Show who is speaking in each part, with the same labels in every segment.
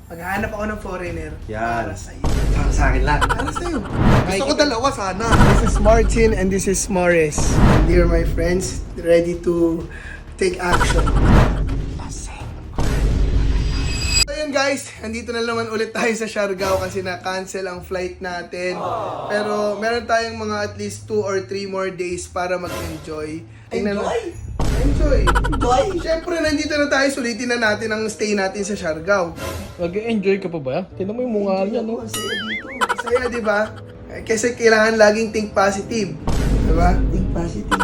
Speaker 1: Maghahanap ako ng foreigner.
Speaker 2: Yan.
Speaker 1: Para sa'yo.
Speaker 2: Para sa akin lang.
Speaker 1: Para sa'yo.
Speaker 2: Gusto ko dalawa sana.
Speaker 1: This is Martin and this is Morris. And here my friends, ready to take action. So yun guys, andito na naman ulit tayo sa Siargao kasi na-cancel ang flight natin. Pero meron tayong mga at least 2 or 3 more days para mag-enjoy. Enjoy! Siyempre, nandito na tayo, sulitin na natin ang stay natin sa Siargao.
Speaker 3: Nag-enjoy ka pa ba? Tignan mo yung mukha niya, no?
Speaker 1: Masaya dito. Masaya, di ba? Kasi kailangan laging think positive. Di ba?
Speaker 2: Think positive.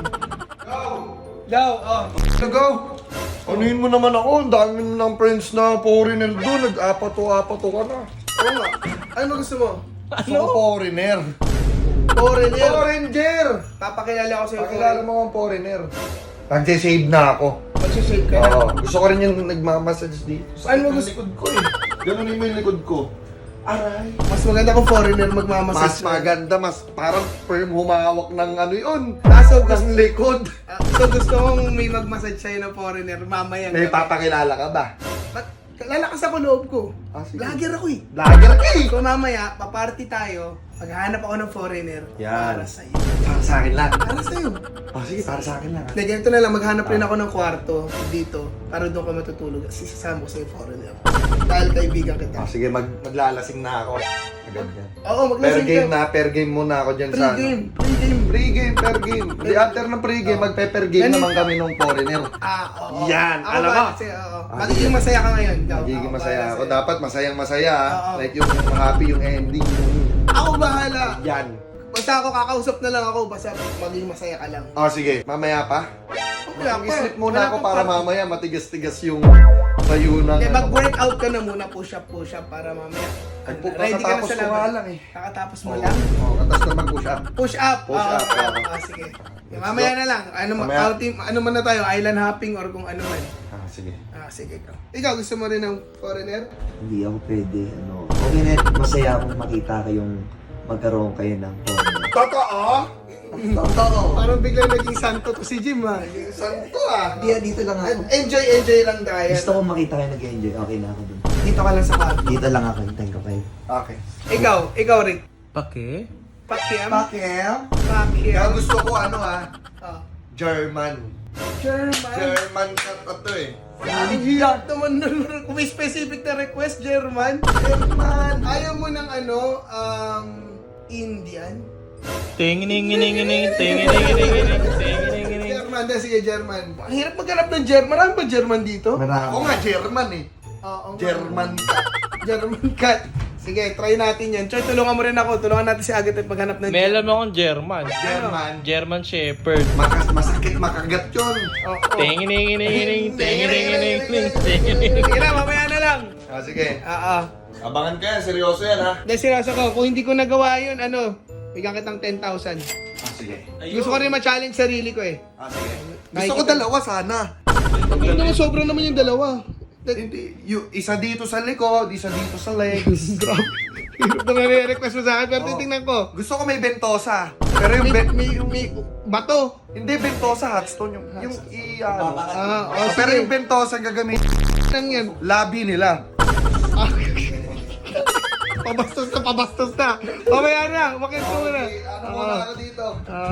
Speaker 1: Go! Oh.
Speaker 2: Go! Anuhin mo naman ako. Ang dami mo ng friends na foreigner doon. Nag-apato-apato ka na.
Speaker 1: Oo nga. Ano gusto mo?
Speaker 2: Gusto ko foreigner.
Speaker 1: Foreigner.
Speaker 2: Foreigner!
Speaker 1: Papakilala ko sa'yo.
Speaker 2: Pakilala mo ang foreigner. Nag-save na ako.
Speaker 1: Magsisave ka na.
Speaker 2: Oo. Gusto ko rin yung nagmamassage dito.
Speaker 1: Ano mo
Speaker 2: Sakit ng likod ko eh. Ganunin mo yung likod ko.
Speaker 1: Aray. Mas maganda kung foreigner
Speaker 2: Mas
Speaker 1: magmamassage.
Speaker 2: maganda, mas parang firm humawak ng ano yun.
Speaker 1: Kaso
Speaker 2: Ng likod.
Speaker 1: so gusto kong may magmassage sa'yo ng foreigner mamaya.
Speaker 2: May papakilala ka ba?
Speaker 1: Ba't lalakas ako loob ko?
Speaker 2: Ah, sige.
Speaker 1: Vlogger ako eh.
Speaker 2: Vlogger ka eh!
Speaker 1: So mamaya, paparty tayo. Maghahanap ako ng foreigner.
Speaker 2: Yan.
Speaker 1: Para sa'yo.
Speaker 2: Para sa akin lang.
Speaker 1: Para sa'yo.
Speaker 2: Oh, sige, para sa akin lang.
Speaker 1: Na ganito na lang, maghanap rin ako ng kwarto dito para doon ka matutulog. Kasi sasama ko sa'yo foreigner. Dahil kaibigan kita.
Speaker 2: Oh, sige, maglalasing na ako. Agad yan.
Speaker 1: Oo,
Speaker 2: Per
Speaker 1: maglasing
Speaker 2: game
Speaker 1: ka.
Speaker 2: na, per game muna ako dyan sa...
Speaker 1: Pre-game. Pre-game.
Speaker 2: Pre-game, per game. Di after ng pre-game, magpe-per game
Speaker 1: Ganun.
Speaker 2: naman kami ng foreigner.
Speaker 1: Oo.
Speaker 2: Yan,
Speaker 1: Ako
Speaker 2: alam
Speaker 1: ba?
Speaker 2: mo.
Speaker 1: Kasi, oo.
Speaker 2: Ah,
Speaker 1: Magiging
Speaker 2: sige.
Speaker 1: masaya ka ngayon. Ikaw.
Speaker 2: Magiging
Speaker 1: Ako
Speaker 2: masaya
Speaker 1: bahala
Speaker 2: ako.
Speaker 1: sa'yo.
Speaker 2: Dapat masayang-masaya.
Speaker 1: Oo.
Speaker 2: Like yung happy yung ending.
Speaker 1: Ako bahala.
Speaker 2: Yan.
Speaker 1: Basta ako kakausap na lang ako. Basta maging masaya ka lang.
Speaker 2: Oh, sige. Mamaya pa.
Speaker 1: Wala pa.
Speaker 2: Mag-sleep muna
Speaker 1: Wala
Speaker 2: ako
Speaker 1: pa
Speaker 2: para
Speaker 1: pa.
Speaker 2: mamaya matigas-tigas yung tayo ng...
Speaker 1: Okay, mag-workout ka na muna. Push up para mamaya.
Speaker 2: Kakatapos ko nga lang eh.
Speaker 1: Kakatapos mo
Speaker 2: Oo.
Speaker 1: lang?
Speaker 2: Oo, katas na mag-push up.
Speaker 1: Push up.
Speaker 2: Push up,
Speaker 1: Oo,
Speaker 2: oo.
Speaker 1: sige. Mamaya na lang.
Speaker 2: Mamaya.
Speaker 1: Ano man na tayo? Island hopping or kung ano man.
Speaker 2: Ah, sige.
Speaker 1: Sige ikaw. Ikaw, gusto mo rin ng foreigner?
Speaker 4: Hindi ako pwede, okay na, masaya akong makita kayong magkaroon kayo ng partner.
Speaker 2: Totoo? Totoo.
Speaker 1: Parang biglang naging santo to si Jim ha.
Speaker 2: Santo ah.
Speaker 4: Dito lang ako.
Speaker 1: Enjoy lang tayo.
Speaker 4: Gusto ko makita kayo nag-enjoy, okay na ako dun.
Speaker 1: Dito ka lang sa kwarto.
Speaker 4: Dito lang ako, hintayin ko kayo.
Speaker 2: Okay.
Speaker 1: Ikaw Rick.
Speaker 3: Pake?
Speaker 1: Pakiam?
Speaker 2: Pakiam?
Speaker 1: Pakiam.
Speaker 2: Kaya gusto ko ano ah,
Speaker 1: Oh.
Speaker 2: German.
Speaker 1: German.
Speaker 2: German cut to eh.
Speaker 1: Hiyak naman nun. Kung may specific na request, German.
Speaker 2: German.
Speaker 1: Ayaw mo ng Indian?
Speaker 3: Tingining, tingining.
Speaker 1: German, sige German. Ang hirap maghanap ng German. Marami ba German dito?
Speaker 2: Ako
Speaker 4: Marami.
Speaker 2: nga, German eh.
Speaker 1: Oo.
Speaker 2: German cut.
Speaker 1: German cat. Sige, try natin yan. Choy, tulungan mo rin ako. Tulungan natin si Agatha paghanap ng
Speaker 3: May alam akong German.
Speaker 2: German.
Speaker 3: German Shepherd.
Speaker 2: Masakit makagat yun.
Speaker 1: Oo.
Speaker 3: Tingining,
Speaker 1: Sige na, mamaya na lang.
Speaker 2: Ah, sige.
Speaker 1: Oo.
Speaker 2: Abangan ka yan, seryoso yan ha.
Speaker 1: Dahil seryoso ko, kung hindi ko nagawa yun, bigyan kitang 10,000.
Speaker 2: Ah, sige.
Speaker 1: Gusto ko rin ma-challenge sarili ko eh.
Speaker 2: Ah, sige. Gusto ko dalawa sana.
Speaker 1: Hindi naman sobrang naman yung dalawa.
Speaker 2: Hindi, isa dito sa likod, isa dito sa legs.
Speaker 1: Grabe. Hirap na nare-request mo sa akin, pero
Speaker 2: Oo.
Speaker 1: titingnan ko.
Speaker 2: Gusto ko may bentosa. Pero yung
Speaker 1: May bato.
Speaker 2: hindi bentosa, hotstone yung ano. Pero
Speaker 1: sige.
Speaker 2: yung bentosa gagamitin
Speaker 1: Lang yan.
Speaker 2: labi nila.
Speaker 1: Ah. Pabastos na. Mamaya na, umakit ko muna.
Speaker 2: Ano muna ako dito?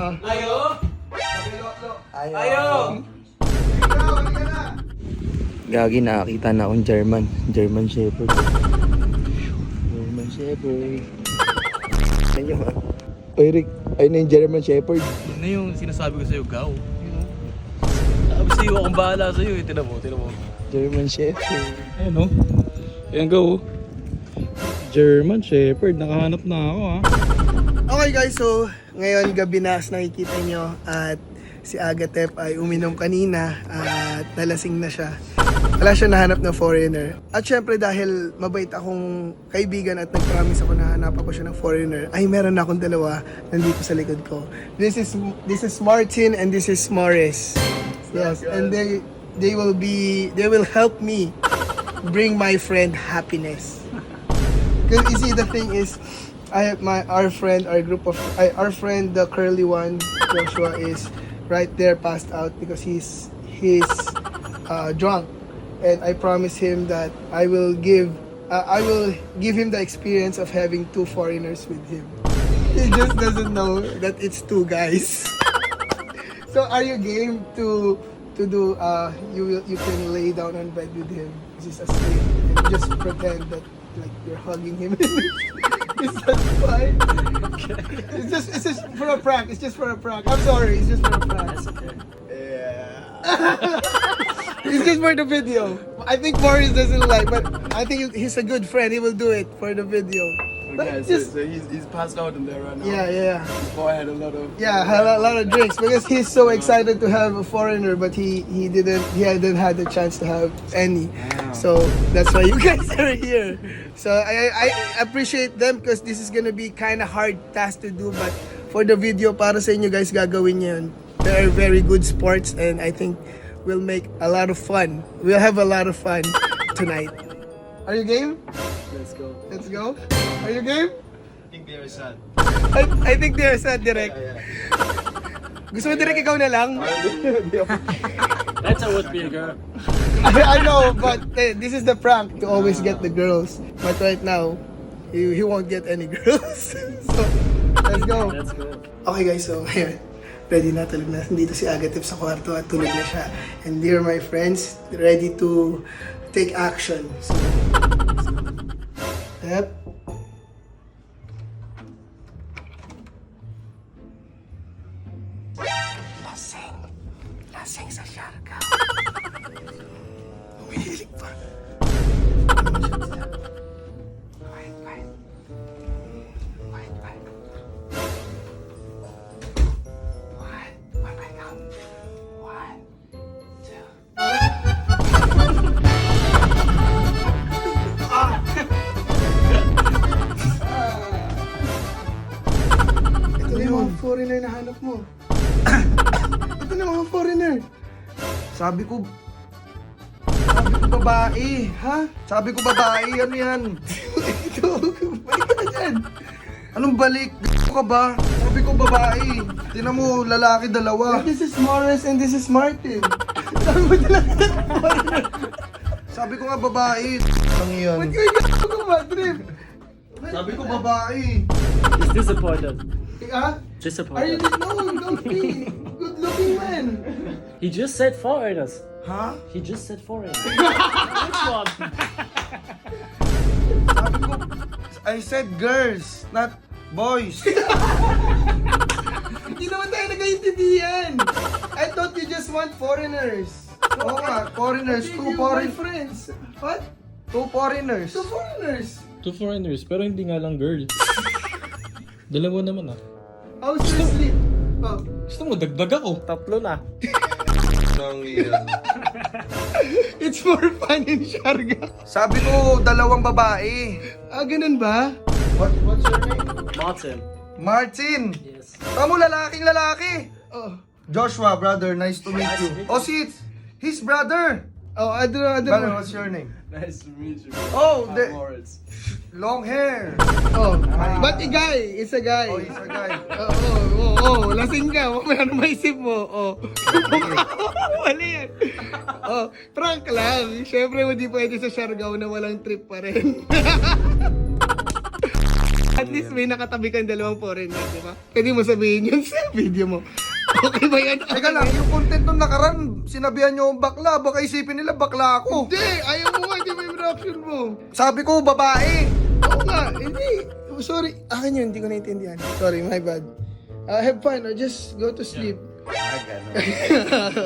Speaker 4: Gagi, nakakita na akong German Shepherd. German Shepherd. Ayun ha. Oy Rick, ayun na yung German Shepherd.
Speaker 3: Yun na yung sinasabi ko sa'yo, Gaw. Sabi sa'yo, akong bahala sa'yo eh. Tinan mo.
Speaker 4: German Shepherd.
Speaker 3: Ayun o. Ayan, Gaw. German Shepherd. Nakahanap na ako ha.
Speaker 1: Okay guys, so ngayon gabi na as nakikita nyo at si Agatep ay uminom kanina at nalasing na siya. Wala siya nahanap na foreigner. At syempre dahil mabait akong kaibigan at nag-promise ako na hanap ako siya ng foreigner, ay meron na akong dalawa nandito sa likod ko. This is Martin and this is Morris. Yes, and they will help me bring my friend happiness. Because you see, the thing is, our friend, the curly one, Joshua, is right there passed out because he's drunk. And I promised him that I will give I will give him the experience of having 2 foreigners with him. He just doesn't know that it's 2 guys. So are you game to do you can lay down on bed with him, he's asleep, and just pretend that like you're hugging him? Is that fine? It's just for a prank. It's just for a prank. I'm sorry, it's just for a prank.
Speaker 5: That's okay.
Speaker 1: It's just for the video. I think Boris doesn't like, but I think he's a good friend. He will do it for the video. But
Speaker 5: Okay,
Speaker 1: just
Speaker 5: so he's passed out in there right now.
Speaker 1: yeah.
Speaker 5: His boy had a lot of...
Speaker 1: Yeah, had a lot of drinks because he's so excited to have a foreigner, but he hadn't had the chance to have any. So that's why you guys are here. So I appreciate them because this is gonna be kind of hard task to do, but for the video para sa inyo guys gagawin niyo yun. They are very good sports and I think we'll make a lot of fun. We'll have a lot of fun tonight. Are you game?
Speaker 5: Let's go.
Speaker 1: Let's go. Are you game?
Speaker 5: I think they're sad.
Speaker 1: I think they're sad direct. Gusto mo direct ikaw na lang?
Speaker 5: That's how it would be a girl.
Speaker 1: I know, but this is the prank to always get the girls. But right now, he won't get any girls. So, let's go.
Speaker 5: Let's go.
Speaker 1: Okay guys, so ayan. Ready na, tulog na. Nandito si Agatep sa kwarto at tulog na siya. And dear my friends, ready to take action. So, yep. Lasing sa Siargao. Umihilig pa. Quiet. Quiet. One right now. 1, 2. Ito na yung mga foreigner na hanap mo. Ito na mga foreigner.
Speaker 2: Sabi ko babae.
Speaker 1: Ha?
Speaker 2: Sabi ko babae, ano yan?
Speaker 1: Ito, balik ka na dyan.
Speaker 2: Anong balik? Ka ba? Sabi ko babae. Tinan mo, lalaki dalawa.
Speaker 1: This is Morris and this is Martin. Sabi mo talaga foreigner.
Speaker 2: Sabi ko nga babae. Ang yan.
Speaker 1: Ba't kayo gato ka Madrid?
Speaker 2: Sabi ko babae.
Speaker 5: He's disappointed.
Speaker 1: Ha? Are you
Speaker 5: Disappointed.
Speaker 1: no, don't be good looking man.
Speaker 5: He just said foreigners.
Speaker 2: Ha?
Speaker 5: He just said foreigners. Which one?
Speaker 2: Sabi ko, I said girls, not boys.
Speaker 1: Hindi naman tayo nagkaintindihan. I thought you just want foreigners.
Speaker 2: Oo nga, foreigners,
Speaker 1: Two
Speaker 2: two foreign,
Speaker 1: friends. What?
Speaker 2: two foreigners.
Speaker 1: 2 foreigners.
Speaker 3: 2 foreigners, pero hindi nga lang girl. Dalawa naman ah.
Speaker 1: How's your sleep? Oh.
Speaker 3: Gusto mo, dagdag ako.
Speaker 5: Tatlo na.
Speaker 2: Ang yan.
Speaker 1: It's more fun in Siargao.
Speaker 2: Sabi ko, dalawang babae.
Speaker 1: Ah, ganun ba?
Speaker 2: What's your name?
Speaker 5: Martin.
Speaker 2: Martin.
Speaker 5: Yes.
Speaker 2: Tamo, lalaking lalaki.
Speaker 1: Oh.
Speaker 2: Joshua, brother, nice to meet
Speaker 5: Nice
Speaker 2: you.
Speaker 5: to meet you.
Speaker 2: Oh, see, his brother.
Speaker 1: Oh, I don't
Speaker 2: Brother,
Speaker 1: know.
Speaker 2: what's your name?
Speaker 5: Nice to meet you.
Speaker 2: Oh, the
Speaker 5: Moritz.
Speaker 2: long hair.
Speaker 1: Oh. But a guy, it's a guy.
Speaker 2: Oh, he's a guy.
Speaker 1: Oh, lasing ka. Mamaya ano maisip mo? Oh. Mali yan. Oh, prank lang. Siyempre, hindi pwede sa Siargao na walang trip pa rin. At least may nakatabi kang 2 foreigner, di ba? Pwede mo sabihin yun sa video mo. Okay ba yan?
Speaker 2: Teka lang, yung content nung nakaraan, sinabihan nyo yung bakla, baka isipin nila bakla ako.
Speaker 1: Hindi! Ayaw mo nga, hindi mo yung reaction mo.
Speaker 2: Sabi ko, babae.
Speaker 1: Oo nga, hindi. Sorry, akin yun, hindi ko naintindihan. Sorry, my bad. Have fun or just go to sleep.